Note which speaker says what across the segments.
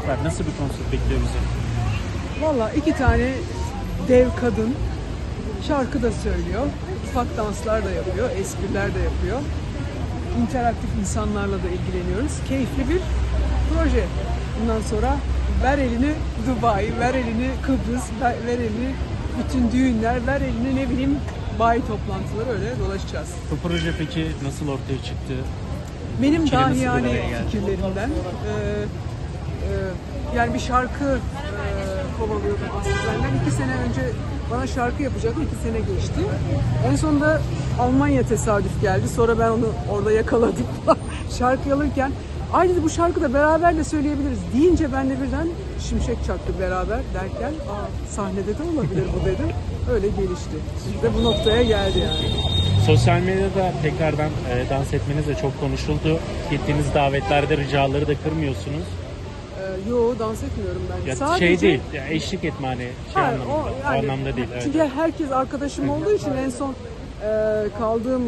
Speaker 1: var. Nasıl bir konsept bekliyor bizi?
Speaker 2: Valla 2 tane dev kadın şarkı da söylüyor, ufak danslar da yapıyor, espriler de yapıyor. İnteraktif insanlarla da ilgileniyoruz. Keyifli bir proje. Bundan sonra ver elini Dubai, ver elini Kıbrıs, ver elini bütün düğünler, ver elini ne bileyim bayi toplantıları, öyle dolaşacağız.
Speaker 1: Bu proje peki nasıl ortaya çıktı?
Speaker 2: Benim
Speaker 1: Fikri nasıl bir
Speaker 2: dahiyane
Speaker 1: araya geldi?
Speaker 2: fikirlerimden yani bir şarkı kovalıyordum aslında. Benden 2 sene önce bana şarkı yapacaktı, 2 sene geçti. En sonunda Almanya tesadüf geldi. Sonra ben onu orada yakaladım. Şarkı alırken ay dedi, bu şarkı da beraber de söyleyebiliriz deyince ben de birden şimşek çaktı beraber derken sahnede de olabilir bu dedim. Öyle gelişti. Ve bu noktaya geldi yani.
Speaker 1: Sosyal medyada tekrardan dans etmeniz de çok konuşuldu. Gittiğiniz davetlerde ricaları da kırmıyorsunuz.
Speaker 2: Yo, dans etmiyorum ben.
Speaker 1: Ya
Speaker 2: Sadece
Speaker 1: şey değil, ya eşlik etme hani şey
Speaker 2: hayır,
Speaker 1: anlamında, o anlamda değil. Evet.
Speaker 2: Çünkü herkes arkadaşım olduğu için en son kaldığım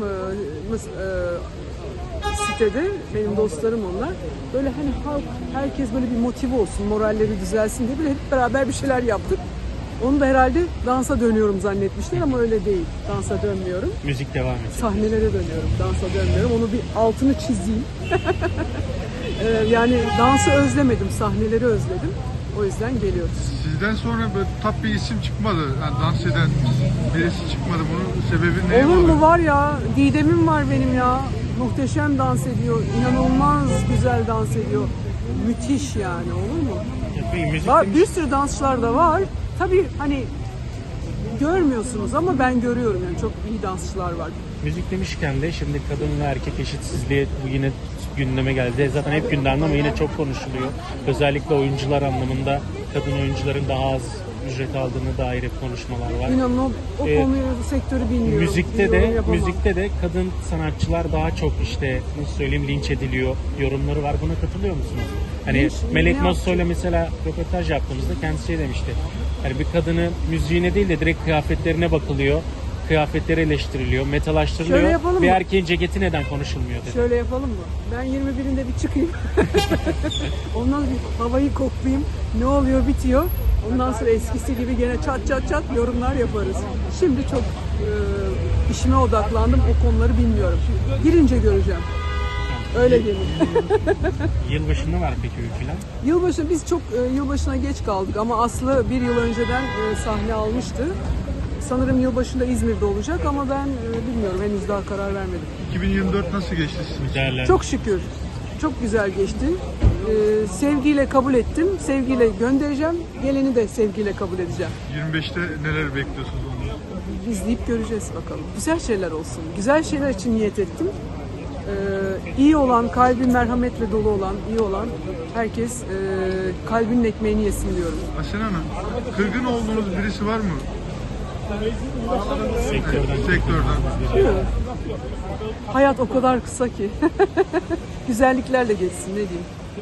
Speaker 2: sitede benim dostlarım onlar. Böyle hani halk, herkes böyle bir motive olsun, moralleri düzelsin diye böyle hep beraber bir şeyler yaptık. Onu da herhalde dansa dönüyorum zannetmişler ama öyle değil. Dansa dönmüyorum.
Speaker 1: Müzik devam edecek.
Speaker 2: Sahnelere dönüyorum, dansa dönmüyorum. Onu bir altını çizeyim. Yani dansı özlemedim, sahneleri özledim. O yüzden geliyoruz.
Speaker 3: Sizden sonra böyle top bir isim çıkmadı. Yani dans eden birisi çıkmadı. Bunun sebebi ne?
Speaker 2: Olur mu, var ya, Didem'im var benim ya. Muhteşem dans ediyor. İnanılmaz güzel dans ediyor. Müthiş yani, olur mu?
Speaker 1: Müzik
Speaker 2: Var, bir sürü dansçılar da var. Tabii hani görmüyorsunuz ama ben görüyorum yani, çok iyi dansçılar var.
Speaker 1: Müzik demişken de şimdi kadın ve erkek eşitsizliği bu yine gündeme geldi. Zaten hep gündemde ama yine çok konuşuluyor. Özellikle oyuncular anlamında kadın oyuncuların daha az ücret aldığını dair hep konuşmalar var.
Speaker 2: İnanın o konuyu, sektörü bilmiyorum.
Speaker 1: Müzikte de kadın sanatçılar daha çok işte nasıl söyleyeyim linç ediliyor yorumları var. Buna katılıyor musunuz? Hani
Speaker 2: Linç,
Speaker 1: Melek
Speaker 2: ne
Speaker 1: Mosso'yla mesela röportaj yaptığımızda kendisi şey demişti. Hani bir kadını müziğine değil de direkt kıyafetlerine bakılıyor. Kıyafetleri eleştiriliyor,
Speaker 2: Şöyle
Speaker 1: metalaştırılıyor.
Speaker 2: yapalım
Speaker 1: Bir
Speaker 2: mı?
Speaker 1: erkeğin ceketi neden konuşulmuyor dedi.
Speaker 2: Şöyle yapalım mı? Ben 21'inde bir çıkayım. Ondan bir havayı koklayayım. Ne oluyor, bitiyor. Ondan sonra eskisi gibi gene çat çat çat yorumlar yaparız. Şimdi çok işime odaklandım. O konuları bilmiyorum. Girince göreceğim. Öyle diyeyim.
Speaker 1: Yılbaşında var peki öyküler?
Speaker 2: Yılbaşı, biz çok yılbaşına geç kaldık ama Aslı bir yıl önceden sahne almıştı. Sanırım yılbaşında İzmir'de olacak ama ben bilmiyorum, henüz daha karar vermedim.
Speaker 3: 2024 nasıl geçti sizin?
Speaker 1: Güzeller.
Speaker 2: Çok şükür. Çok güzel geçti. Sevgiyle kabul ettim. Sevgiyle göndereceğim. Geleni de sevgiyle kabul edeceğim.
Speaker 3: 25'te neler bekliyorsunuz ondan?
Speaker 2: İzleyip göreceğiz bakalım. Güzel şeyler olsun. Güzel şeyler için niyet ettim. İyi olan, kalbi merhametle dolu olan, iyi olan herkes kalbinin ekmeğini yesin diyorum.
Speaker 3: Asena Hanım, kırgın olduğunuz birisi var mı? Sektörden.
Speaker 2: Yok. Hayat o kadar kısa ki. Güzelliklerle geçsin, ne diyeyim.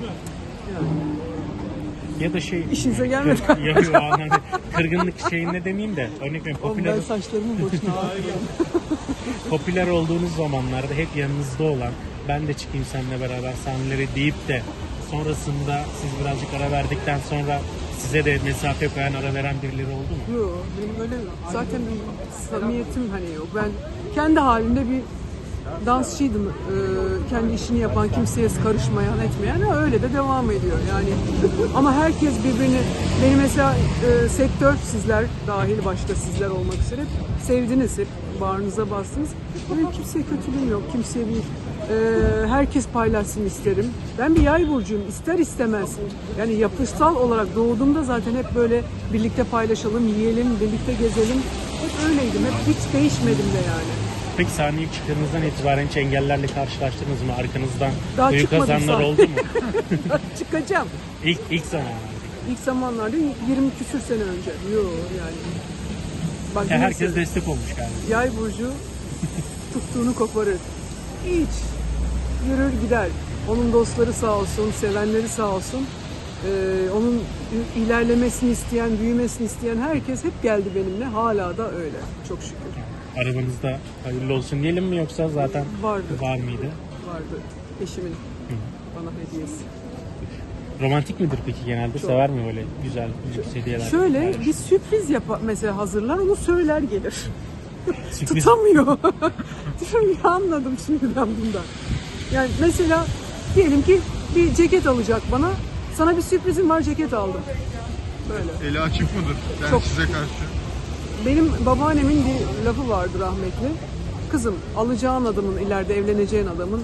Speaker 1: Ya da şey...
Speaker 2: İşinize gelmedi.
Speaker 1: Ya, anladım. Kırgınlık şeyinde demeyeyim de örnek veriyorum
Speaker 2: Ben saçlarımı boşuna ağrıyorum.
Speaker 1: popüler olduğunuz zamanlarda hep yanınızda olan ben de çıkayım seninle beraber sahneleri deyip de sonrasında siz birazcık ara verdikten sonra size de mesafe koyan, ara veren birileri oldu mu?
Speaker 2: Yok, benim öyle zaten bir samimiyetim hani yok. Ben kendi halimde bir dansçıydım. Kendi işini yapan, kimseye karışmayan, etmeyen, öyle de devam ediyor yani. Ama herkes birbirini, beni mesela sektör, sizler dahil başta sizler olmak üzere sevdiniz, hep bağrınıza bastınız. Benim kimseye kötülüğüm yok, kimseye bir herkes paylaşsın isterim. Ben bir yay burcuyum, ister istemez. Yani yapısal olarak doğduğumda zaten hep böyle birlikte paylaşalım, yiyelim, birlikte gezelim. Hep öyleydim, hep hiç değişmedim de yani.
Speaker 1: Peki sahneye çıktığınızdan itibaren hiç engellerle karşılaştınız mı? Arkanızdan
Speaker 2: Daha
Speaker 1: büyük
Speaker 2: çıkmadım
Speaker 1: kazanlar
Speaker 2: zaten.
Speaker 1: oldu mu?
Speaker 2: Çıkacağım.
Speaker 1: İlk zamanlarda.
Speaker 2: İlk zamanlarda 20 küsür sene önce. Yok yani. Bak,
Speaker 1: Ya herkes destek olmuş galiba.
Speaker 2: Yay burcu tuttuğunu koparır. Hiç. Yürür gider. Onun dostları sağ olsun, sevenleri sağ olsun. Onun ilerlemesini isteyen, büyümesini isteyen herkes hep geldi benimle. Hala da öyle. Çok şükür.
Speaker 1: Arabanızda hayırlı olsun diyelim mi yoksa zaten
Speaker 2: Vardı.
Speaker 1: var mıydı?
Speaker 2: Vardı. Eşimin bana hediyesi.
Speaker 1: Romantik midir peki genelde?
Speaker 2: Çok.
Speaker 1: Sever mi böyle güzel lüks hediyeler?
Speaker 2: Şöyle bir sürpriz mesela hazırlar, onu söyler gelir.
Speaker 1: Sürpriz.
Speaker 2: Tutamıyor. Diyorum ya, anladım şimdi ben bundan. Yani mesela diyelim ki bir ceket alacak bana. Sana bir sürprizim var, ceket aldım. Böyle.
Speaker 3: Eli açık mıdır? Yani
Speaker 2: Çok.
Speaker 3: size karşı.
Speaker 2: Benim babaannemin bir lafı vardı rahmetli. Kızım, alacağın adamın, ileride evleneceğin adamın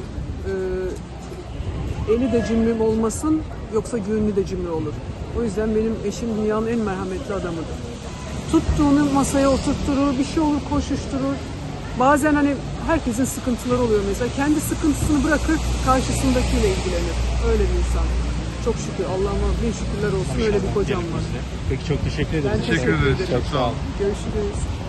Speaker 2: eli de cimri olmasın, yoksa gönlü de cimri olur. O yüzden benim eşim dünyanın en merhametli adamıdır. Tuttuğunu masaya oturtturur, bir şey olur koşuşturur. Bazen hani herkesin sıkıntıları oluyor mesela. Kendi sıkıntısını bırakır, karşısındakiyle ilgilenir. Öyle bir insan. Çok şükür, Allah'ıma bin şükürler olsun, öyle bir kocam var.
Speaker 1: Peki çok teşekkür ederim.
Speaker 2: Ben
Speaker 3: Teşekkür ederiz.
Speaker 2: ederim.
Speaker 3: Çok sağ olun.
Speaker 2: Görüşürüz.